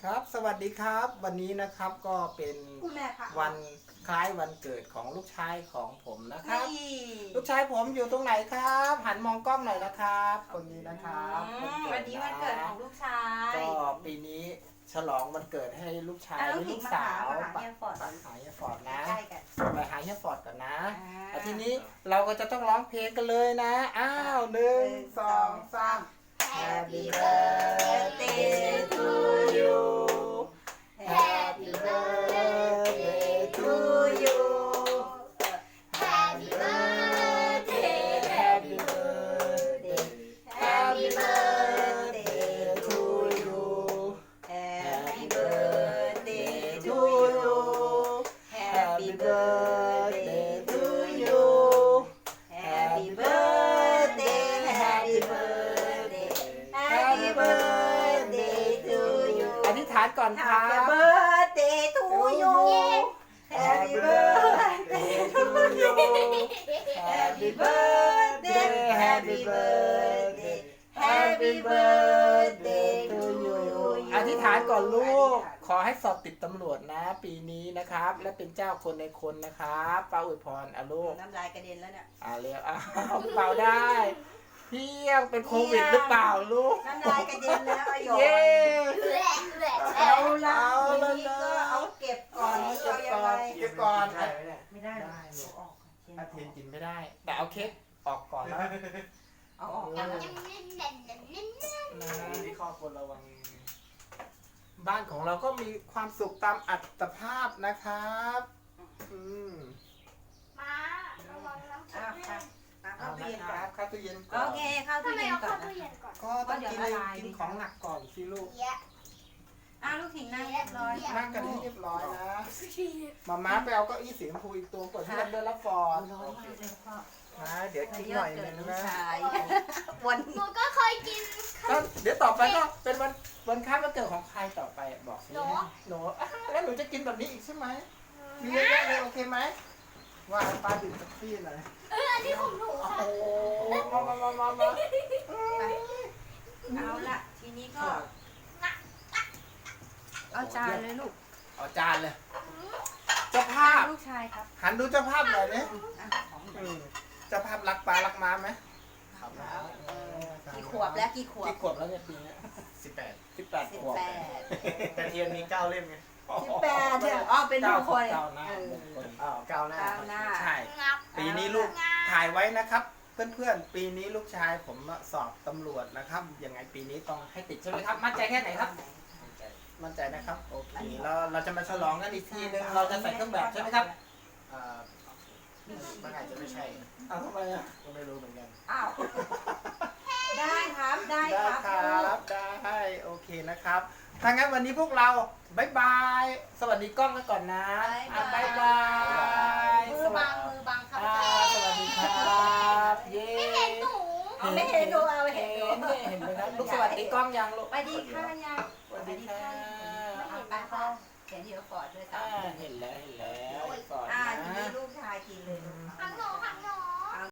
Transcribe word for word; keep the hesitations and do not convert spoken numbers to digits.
ครับสวัสดีครับวันนี้นะครับก็เป็นวันคล้ายวันเกิดของลูกชายของผมนะครับลูกชายผมอยู่ตรงไหนครับหันมองกล้องหน่อยนะครับคนนี้นะครับวันนี้วันเกิดของลูกชายก็ปีนี้ฉลองวันเกิดให้ลูกชายและลูกสาวไปหาเฮียฟอร์ดนะไปหาเฮียฟอร์ดก่อนนะแล้วทีนี้เราก็จะต้องร้องเพลงกันเลยนะอ้าวหนึ่งสองสามHappy birthday to you Happy birthday to you Happy birthday Happy birthday Happy birthday to you Happy birthday to you Happy birthday to you Happy birthday Happy birthday Happy birthday to you อธิษฐานก่อนครับ Happy birthday to you Happy birthday to you Happy birthday Happy birthday Happy birthday to you อธิษฐานก่อนลูกขอให้สอบติดตำรวจนะปีนี้นะครับและเป็นเจ้าคนในคนนะครับป้าอวยพรอ่ะลูกน้ำลายกระเด็นแล้วเนี่ยอ่าเรียกอ้าวเป่าได้เพียงเป็นโควิดหรือเปล่าลูกน้ำลายกระเด็นแล้วอะโยเย้เอาละเอาละทีนี้ก็เอาเก็บก่อนนี่เอายังไงเก็บก่อนไม่ได้ได้เอาลูกออกอาเทียนกินไม่ได้ แต่เอาเค้กออกก่อนแล้วเอาออกนะที่ข้อควรระวังบ้านของเราก็มีความสุขตามอัตภาพนะครับอืมมาระวังน้ำอ่ะแข็งอ่ะเอาเข้าตู้นะเย็นคก่อรันบเข้าตู้เย็นก่อนโอเคเข้าทำตู้ไมเย็นเอาก่อเข้าน ตู้นะเย็นก่อนก็ต้องกินเลยกินของหนักก่อนสิลูกเยอะอ่ะลูกถิงนั่งเรียบร้อยนั่งกันให้เรียบร้อยนะมาม่าไปเอาเก้าอี้สีชมพูอีกตัวก่อนที่เราเดินรับฟอร์ดร้อนมากเลยพ่อนะเดี๋ยวกินหน่อยหนึงนะวันหนูก็เคยกินก็เดี๋ยวต่อไปก็เป็นวันวันคล้ายวันเกิดของใครต่อไปอ่ะบอกสิหนูหนูอ่ะแล้วหนูจะกินแบบนี้อีกใช่ไหมมีเยอะแยะเลยโอเคไหมว่าป้าดื่มแท็กซี่หน่อยเอออันนี้ของหนูโอ้ค่ะโหมามามามามาเอาละทีนี้ก็เอาจานเลยลูกเอาจานเลยเจ้าภาพลูกชายครับหันดูเจ้าภาพหน่อยนี่อ่ะของหนูอืมเจ้าภาพรักปลารักม้าไหมครับกี่ขวบแล้วกี่ขวบกี่ขวบแล้วเนี่ยปีนี้สิบแปดสิบแปดสิบขวบแปดแต่เทียนมีเก้าเล่มไงสิบแปดเนี่ยอ๋อเป็นมงคลเก้าหน้าเออมงคลอ้าวเก้าหน้าเก้าหน้าใช่งับปีนี้ลูกถ่ายไว้นะครับ เพื่อนๆ ปีนี้ลูกชายผมสอบตำรวจนะครับ ยังไงปีนี้ต้องให้ติดใช่ไหมครับ มั่นใจแค่ไหนครับ มั่นใจนะครับ โอเคเราเราจะมาฉลองกันอีกทีนึง เราจะใส่เครื่องแบบใช่ไหมครับอ่ามันอาจจะไม่ใช่อ้าวทำไมอ่ะก็ไม่รู้เหมือนกันอ้าวได้ครับได้ได้ครับครับได้ โอเคนะครับ ถ้างั้นวันนี้พวกเราบายบาย สวัสดีกล้องกันก่อนนะอ่ะบายบายมือบังมือบังครับอ่าสวัสดีครับ เย้ไม่เห็นหนูเอาไม่เห็นดูเอาไม่เห็เห็นนดูเห็นไหมครับลูกสวัสดีกล้องยังลูกไปดีค่ะยายสวัสดีค่ะเอาไปพ่อเขียนเดี๋ยวฟอร์ดด้วยกัอ่าน เห็นแล้วเห็นแล้วก่อนอ่านะทีนี้ลูกชายกินเลยลูกหันหนูหันหนู